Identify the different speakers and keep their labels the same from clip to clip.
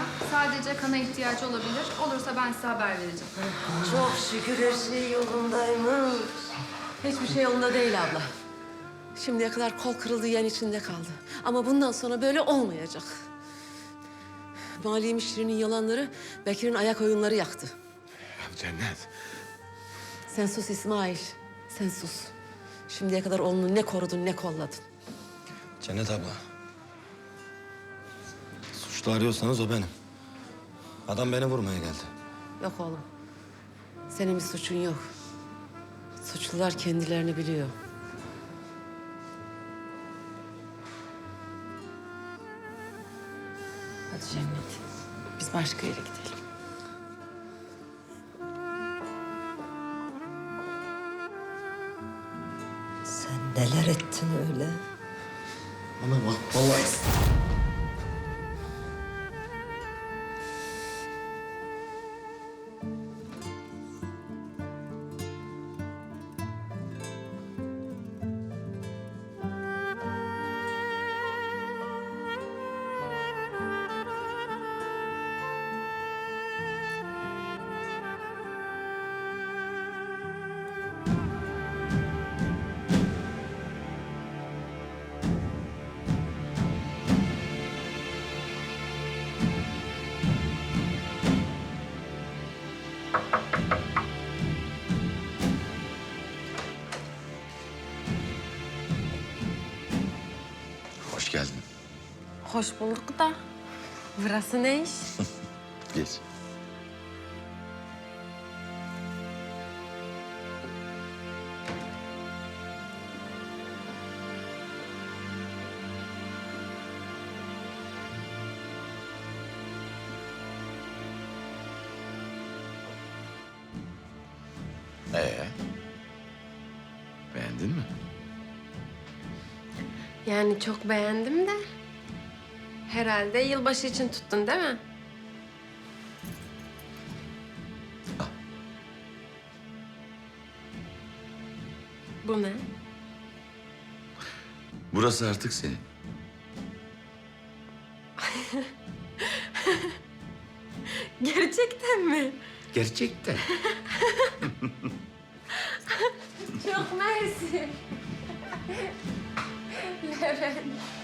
Speaker 1: Sadece kana ihtiyacı olabilir. Olursa ben size haber vereceğim.
Speaker 2: Çok şükür her şey yolundaymış.
Speaker 3: Hiçbir şey yolunda değil abla. Şimdiye kadar kol kırıldı yiyen içinde kaldı. Ama bundan sonra böyle olmayacak. Mali müşterinin yalanları Bekir'in ayak oyunları yaktı.
Speaker 4: Ya Cennet.
Speaker 3: Sen sus İsmail, sen sus. Şimdiye kadar oğlunu ne korudun ne kolladın.
Speaker 4: Cennet abla. Suçlu arıyorsanız o benim. Adam beni vurmaya geldi.
Speaker 3: Yok oğlum. Senin bir suçun yok. Suçlular kendilerini biliyor. Hadi Cennet. Biz başka yere gidelim.
Speaker 2: Sen neler ettin öyle?
Speaker 4: Ana bak vallahi. Hoş geldin.
Speaker 3: Hoş bulduk da. Burası ne iş?
Speaker 4: Geç. Beğendin mi?
Speaker 5: Yani çok beğendim de. Herhalde yılbaşı için tuttun değil mi? Bu ne?
Speaker 4: Burası artık senin.
Speaker 5: Gerçekten mi?
Speaker 4: Gerçekten.
Speaker 5: Çok mersi. Levent.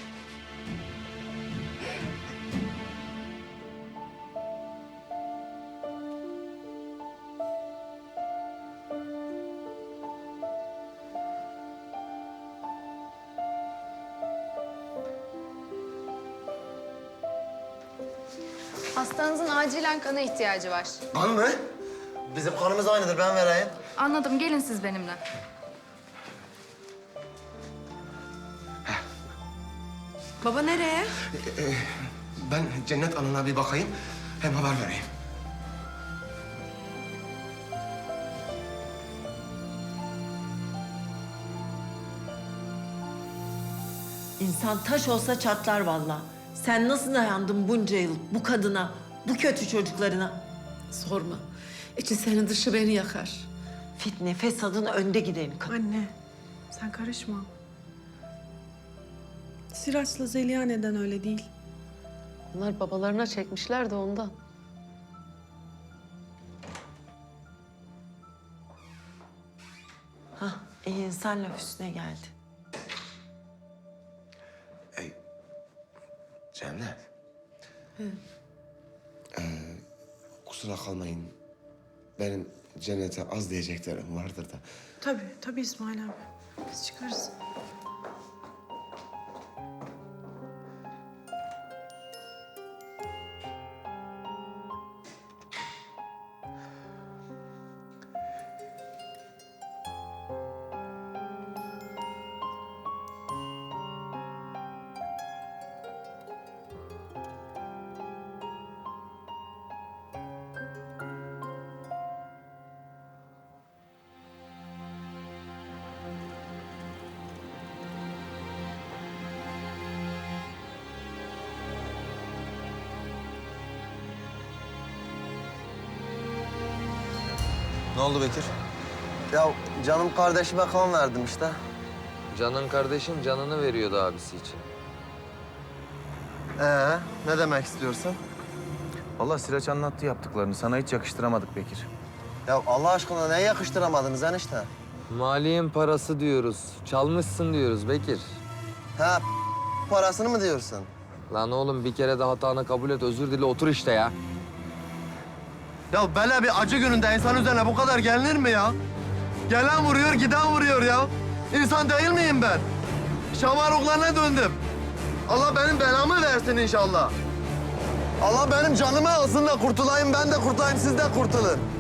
Speaker 1: Hastanızın acilen kana ihtiyacı var.
Speaker 6: Kan mı? Bizim kanımız aynıdır, ben vereyim.
Speaker 1: Anladım. Gelin siz benimle.
Speaker 3: Baba nereye?
Speaker 6: Ben Cennet Hanım'a bir bakayım, hem haber vereyim.
Speaker 2: İnsan taş olsa çatlar vallahi. Sen nasıl dayandın bunca yıl bu kadına, bu kötü çocuklarına?
Speaker 3: Sorma. İçi senin dışı beni yakar.
Speaker 2: Fitne, fesadın önde gideni kadın.
Speaker 7: Anne, sen karışma. Siraç'la Zeliha neden öyle değil?
Speaker 3: Onlar babalarına çekmişler de ondan.
Speaker 2: Hah, iyi insan laf üstüne geldi.
Speaker 6: Cennet. Kusura kalmayın. Benim Cennet'e az diyeceklerim vardır da.
Speaker 7: Tabii İsmail abi. Biz çıkarız.
Speaker 4: Ne oldu Bekir?
Speaker 6: Ya canım kardeşime kan verdim işte.
Speaker 8: Canın kardeşin canını veriyordu abisi için.
Speaker 6: Ne demek istiyorsun?
Speaker 9: Vallahi Sıraç anlattı yaptıklarını. Sana hiç yakıştıramadık Bekir.
Speaker 10: Ya Allah aşkına ne yakıştıramadınız enişte?
Speaker 8: Maliyenin parası diyoruz. Çalmışsın diyoruz Bekir.
Speaker 10: Ha parasını mı diyorsun?
Speaker 8: Lan oğlum bir kere de hatanı kabul et, özür dile, otur işte ya.
Speaker 10: Ya böyle bir acı gününde insan üzerine bu kadar gelinir mi ya? Gelen vuruyor, giden vuruyor ya. İnsan değil miyim ben? Şamaruklarına döndüm. Allah benim belamı versin inşallah. Allah benim canımı alsın da kurtulayım, ben de kurtulayım, siz de kurtulun.